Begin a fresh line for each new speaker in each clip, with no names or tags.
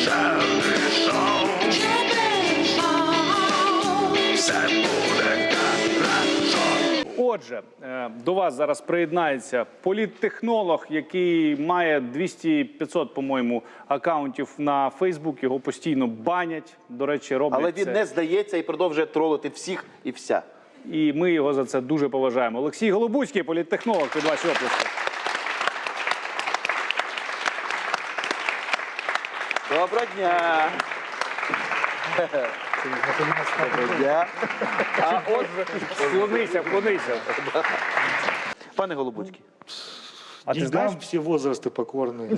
Отже, до вас зараз приєднається політтехнолог, який має 200-500, по-моєму, акаунтів на Фейсбук. Його постійно банять. До речі, роблять
Але він
це.
не здається і продовжує тролити всіх і вся.
І ми його за це дуже поважаємо. Олексій Голобуцький, політтехнолог, від ваші оплески.
Доброго дня! Доброго дня!
А отже, вклонися.
Пане Голобуцький.
А ти знаешь?
Все возрасты покорны.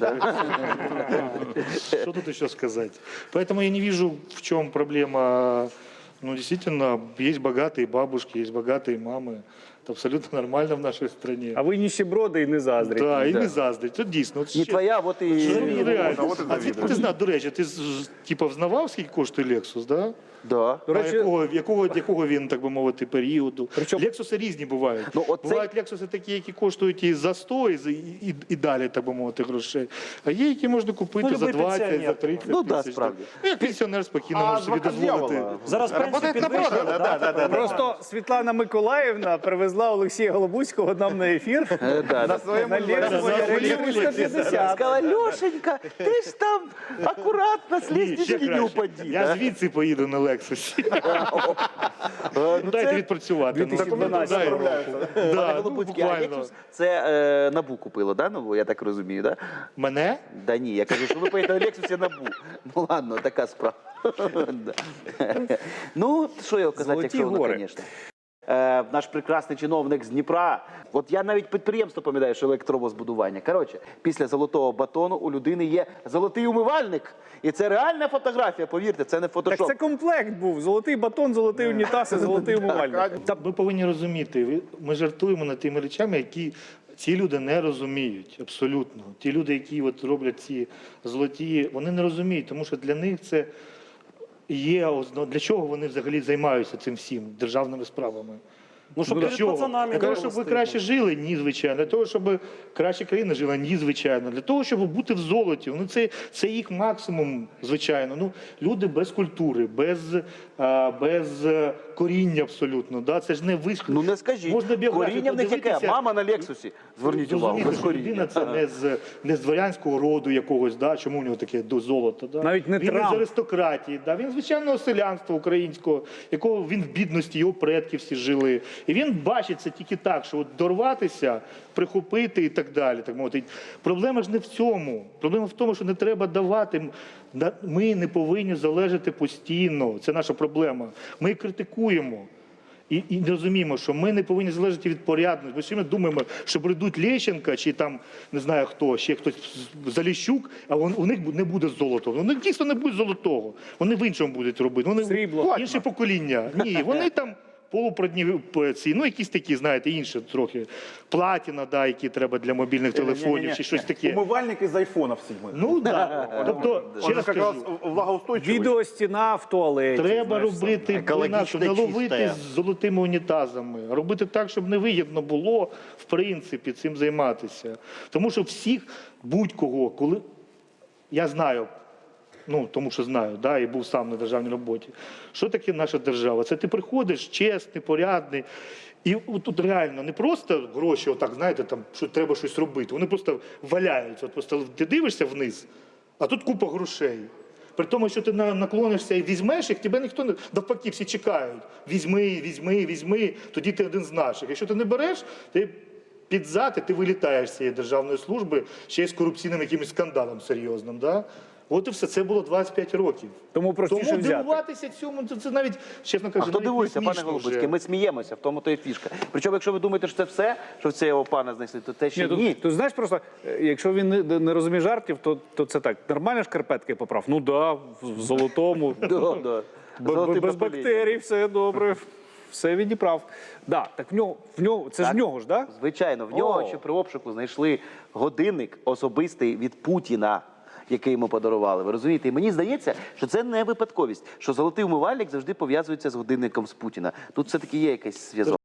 Что тут еще сказать? Поэтому я не вижу, в чем проблема. Ну, действительно, есть богатые бабушки, есть богатые мамы. Это абсолютно нормально в нашей стране.
А ви ніщеброди і не заздріть.
Да, і не заздрить. Тут дійсно.
Не твоя, от і...
Ну, реально. А звідки ти знаєш, до речі, ти типа взнавав, скільки коштує Lexus, да?
Да.
До речі,
Якого він, так би мовити, періоду?
Причому-
Лексуси різні бувають.
Ну, оцей-
Бувають лексуси такі, які коштують і за 100, і далі, так би мовити, грошей. А є, які можна купити за 20, за 30
Ну, да,
тисяч.
справді.
Ну, як пенсіонер спокійно може собі дозволити.
Зараз пенсію підвищили.
просто Світлана Миколаївна привезла Олексія Голобуцького нам на ефір.
На своєму
Лексус 350.
Сказала, Льошенька, ти ж там акуратно з
Ні, ще
лестнички не
краще.
упади.
Я
да?
звідси поїду на Лексусі. Ну, дайте відпрацювати.
2012
дай
року.
року.
Пане
Да, ну,
Голобуцький, а
буквально.
Lexus це НАБУ купило, да? Ну, я так розумію, да?
Мене?
Да ні, я кажу, що ви поїдете на Лексусі НАБУ. Ну ладно, така справа. Да. Ну, що його казати,
Золоті
якщо воно,
гори.
звісно. Наш прекрасний чиновник з Дніпра. От я навіть підприємство пам'ятаю, що електровозбудування. Коротше, після золотого батону у людини є золотий умивальник. І це реальна фотографія, повірте, це не
Так
фотошоп.
це комплект був. Золотий батон, золотий унітаз і золотий умивальник.
Ми повинні розуміти, ми жартуємо над тими речами, які ці люди не розуміють абсолютно. Ті люди, які от роблять ці золоті, вони не розуміють, тому що для них це є, для чого вони взагалі займаються цим всім, державними справами.
Ну, щоб
Для
перед
чого?
пацанами
Для того,
було
щоб ви
стидно.
краще жили? Ні, звичайно. Для того, щоб краще країна жила? Ні, звичайно. Для того, щоб бути в золоті. Ну, це їх максимум, звичайно. Ну, люди без культури, без коріння абсолютно. Да? Це ж не вишка.
Ну не скажіть,
Можна біографію
коріння в них яке?
подивитися.
Мама на Лексусі. Зверніть увагу,
Зрозуміти,
без
що людина
коріння.
це не з дворянського роду якогось, да? Чому у нього таке до золота? Да?
Навіть не
він
Трамп.
з аристократії, да? Він звичайного селянства українського, якого він в бідності, його предки всі жили. І він бачить це тільки так, що от дорватися, прихопити і так далі. Так мовити. Проблема ж не в цьому. Проблема в тому, що не треба давати. Ми не повинні залежати постійно. Це наша проблема. Ми критикуємо. І розуміємо, що ми не повинні залежати від порядності. Ми все думаємо, що прийдуть Лещенка чи там, не знаю хто, ще хтось Заліщук, а у них не буде золотого. У них дійсно не буде золотого. Вони в іншому будуть робити. Вони
Срібло.
інше покоління. Ні, вони там полупродні ці, ну якісь такі, знаєте, інші трохи. Платіна, да, які треба для мобільних телефонів чи щось таке.
Умивальник із айфонів 7.
Ну так. Тобто, ще раз
якраз
кажу,
влагоустойчивий.
Відеостіна в туалеті.
треба
знаєш,
робити інакше, не ловити з золотими унітазами, а робити так, щоб невигідно було, в принципі, цим займатися. Тому що всіх, будь-кого, коли я знаю, ну, тому що знаю, да, і був сам на державній роботі. Що таке наша держава? Це ти приходиш чесний, порядний, і тут реально не просто гроші, отак, знаєте, там, що треба щось робити, вони просто валяються. От просто ти дивишся вниз, а тут купа грошей. При тому, що ти наклонишся і візьмеш їх, тебе ніхто не... Навпаки, всі чекають. Візьми, тоді ти один з наших. Якщо ти не береш, ти під зад, і ти вилітаєш з цієї державної служби ще й з корупційним якимось скандалом серйозним. Да? От і все, це було 25 років.
Тому простіше
Тому
взяти.
дивуватися цьому, це навіть, чесно
А
кажучи,
хто
навіть
дивується,
не
пане
смішно
Голобуцький?
вже.
Ми сміємося, в тому то і фішка. Причому, якщо ви думаєте, що це все, що в цього пана знайшли, то те ще ні.
Ти знаєш, просто, якщо він не розуміє жартів, то це так. Нормально шкарпетки поправ? Ну да, в золотому.
Да. Золотим
Без
напилінням.
бактерій, все добре. Все відіправ. Да, так в нього, це ж в нього ж, да?
Звичайно, в нього
О.
ще при обшуку знайшли годинник особистий від Путіна, який йому подарували. Ви розумієте? І мені здається, що це не випадковість, що золотий умивальник завжди пов'язується з годинником з Путіна. Тут все-таки є якийсь зв'язок.